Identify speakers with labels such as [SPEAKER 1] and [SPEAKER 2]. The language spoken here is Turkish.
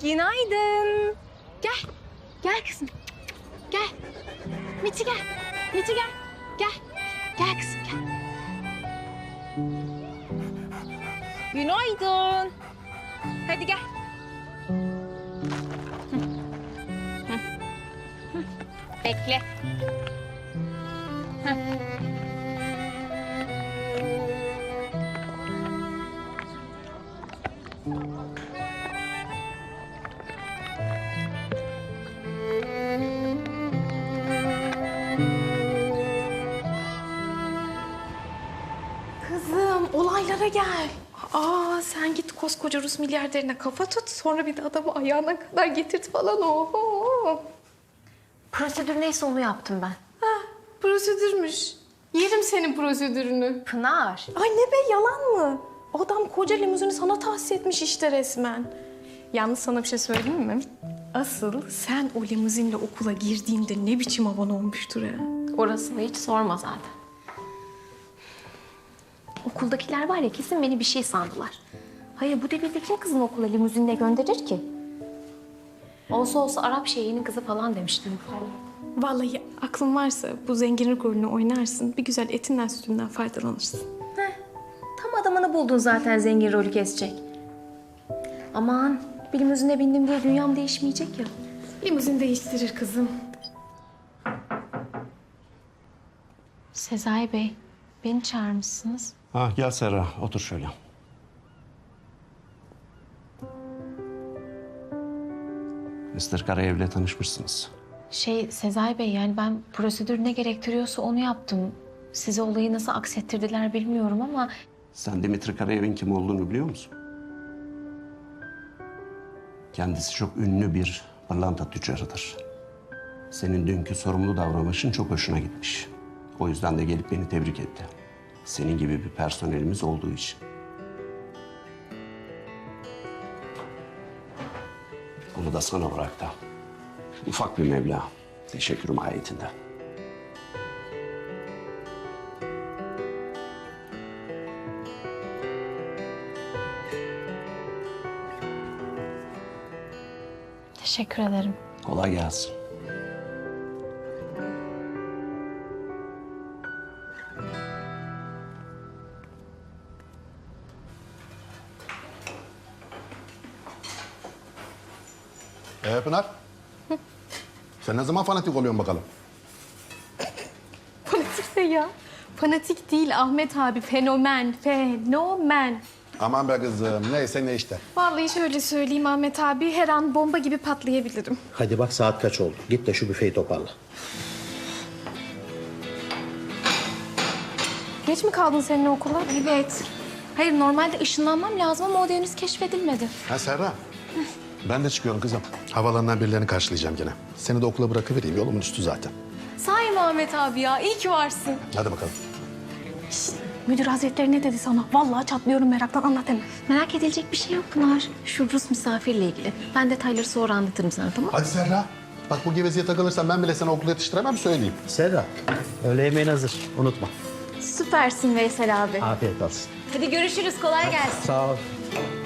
[SPEAKER 1] Günaydın. Gel. Gel kızım. Gel. Miti gel. Miti gel. Gel. Gel kızım gel. Günaydın. Hadi gel. Bekle.
[SPEAKER 2] Kızım olaylara gel. Sen git koskoca Rus milyarderine kafa tut. Sonra bir de adamı ayağına kadar getirt falan. Oho.
[SPEAKER 1] Prosedür neyse onu yaptım ben.
[SPEAKER 2] Prosedürmüş. Yerim senin prosedürünü.
[SPEAKER 1] Pınar.
[SPEAKER 2] Ay ne be yalan mı? Adam koca limuzini sana tahsis etmiş işte resmen. Yalnız sana bir şey söyleyeyim mi? Asıl sen o limuzinle okula girdiğinde ne biçim havan olmuştur ha?
[SPEAKER 1] Orasını hiç sorma zaten. Okuldakiler var ya kesin beni bir şey sandılar. Hayır bu devirde kim kızını okula limuzinle gönderir ki? Olsa olsa Arap şeyhinin kızı falan demiştim.
[SPEAKER 2] Vallahi aklın varsa bu zenginlik rolünü oynarsın. Bir güzel etinden sütünden faydalanırsın.
[SPEAKER 1] Tam adamını buldun zaten zengin rolü kesecek. Aman bir limuzine bindim diye dünyam değişmeyecek ya.
[SPEAKER 2] Limuzin değiştirir kızım.
[SPEAKER 1] Sezai Bey, beni çağırmışsınız.
[SPEAKER 3] Gel Serra, otur şöyle. Mr. Karayev'le tanışmışsınız.
[SPEAKER 1] Sezai Bey yani ben prosedür ne gerektiriyorsa onu yaptım. Size olayı nasıl aksettirdiler bilmiyorum ama...
[SPEAKER 3] Sen Dimitri Karayev'in kim olduğunu biliyor musun? Kendisi çok ünlü bir pırlanta tüccarıdır. Senin dünkü sorumlu davranışın çok hoşuna gitmiş. O yüzden de gelip beni tebrik etti. Senin gibi bir personelimiz olduğu için. Onu da sana bıraktı. Ufak bir meblağ. Teşekkür mahiyetinde.
[SPEAKER 1] Teşekkür ederim.
[SPEAKER 3] Kolay gelsin.
[SPEAKER 4] Pınar. Sen ne zaman fanatik oluyorsun bakalım?
[SPEAKER 2] Fanatik de ya. Fanatik değil Ahmet abi. Fenomen. Fenomen.
[SPEAKER 4] Aman be kızım, neyse ne işte.
[SPEAKER 2] Vallahi şöyle söyleyeyim Ahmet abi. Her an bomba gibi patlayabilirim.
[SPEAKER 5] Hadi bak saat kaç oldu. Git de şu büfeyi toparla.
[SPEAKER 2] Geç mi kaldın senin okula?
[SPEAKER 1] Evet. Hayır normalde ışınlanmam lazım ama o da henüz keşfedilmedi.
[SPEAKER 4] Ha Serra. Ben de çıkıyorum kızım. Havalarından birilerini karşılayacağım gene. Seni de okula bırakıvereyim. Yolumun üstü zaten.
[SPEAKER 2] Sahi mi Ahmet abi ya? İyi ki varsın.
[SPEAKER 4] Hadi bakalım.
[SPEAKER 2] Müdür hazretleri ne dedi sana? Vallahi çatlıyorum meraktan, anlat hemen.
[SPEAKER 1] Merak edilecek bir şey yok Pınar. Şu Rus misafirle ilgili. Ben detayları sonra anlatırım sana tamam mı?
[SPEAKER 4] Hadi Serra. Bak bu gevezeye takılırsan ben bile seni okula yetiştiremem söyleyeyim.
[SPEAKER 5] Serra, öğle yemeğin hazır. Unutma.
[SPEAKER 1] Süpersin Veysel abi.
[SPEAKER 5] Afiyet olsun.
[SPEAKER 1] Hadi görüşürüz. Kolay gelsin.
[SPEAKER 5] Sağ ol.